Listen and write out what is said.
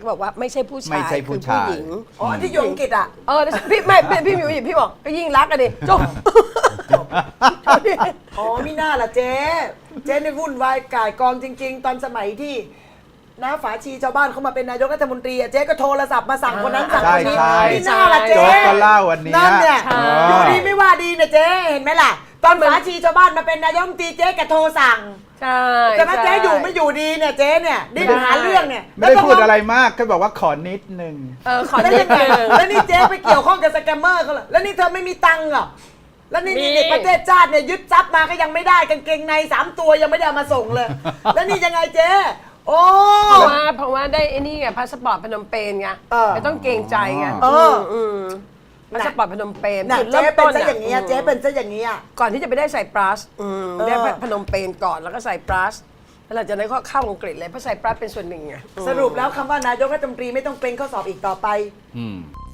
บอกว่าไม่ใช่ผู้ชายไม่ใช่ผู้ชายคือผู้หญิงอ๋อที่อยู่อังกฤษอ่ะพี่ไม่พี่มิวพี่บอกก็ยิ่งรักกันดิจบอ๋อมิน่าล่ะเจ๊ในวุ่นวายก่ายกองจริง ๆ ตอนสมัยที่น้าฝาชีชาวบ้านเขามาเป็นนายกรัฐมนตรีอะเจ๊ก็โทรศัพท์มาสั่งคนนั้นสั่งคนนี้ใช่มิน่าล่ะเจ๊โจ๊กก็เล่าวันนี้นั่นเนี่ยใช่อยู่ดีไม่ว่าดีนะเจ๊เห็นไหมล่ะ ตอนฝาชีชาวบ้านมาเป็นนายกรัฐมนตรีเจ๊ก็โทรสั่งใช่แต่ถ้าเจ๊อยู่ไม่อยู่ดีเนี่ยเจ๊เนี่ยดิ้นหาเรื่องเนี่ยไม่ได้พูดอะไรมากแค่บอกว่าขอนิดนึงขอแล้วนิยัดงไงนึงแล้วนี่เจ๊ไปเกี่ยวข้องกับสแกมเมอร์เขาเหรอแล้วนี่เธอไม่มีตังค์เหรอแล้วนี่มีประเทศชาติเนี่ยยึดทรัพย์มาก็ยังไม่ได้กางเกงใน3 ตัวยังไม่ได้เอามาส่งเลย แล้วนี่ยังไงเจ๊โอ้เพราะว่าได้ไอ้นี่ไงพาสปอร์ตพนมเปญไง ไม่ต้องเกรงใจไง พาสปอร์ตพนมเปญน่ะจุดเจ๊เริ่มเป็นต้นซะอย่างนี้ยเจ๊เป็นซะอย่างนี้ยก่อนที่จะไปได้ไซปรัสได้เออพนมเปญก่อนแล้วก็ไซปรัสแล้วหลังจากนั้นก็เข้าอังกฤษเลยเพราะไซปรัสเป็นส่วนหนึ่งไงสรุปแล้วคำว่านายกรัฐมนตรีไม่ต้องเกรงข้อสอบอีกต่อไปอืม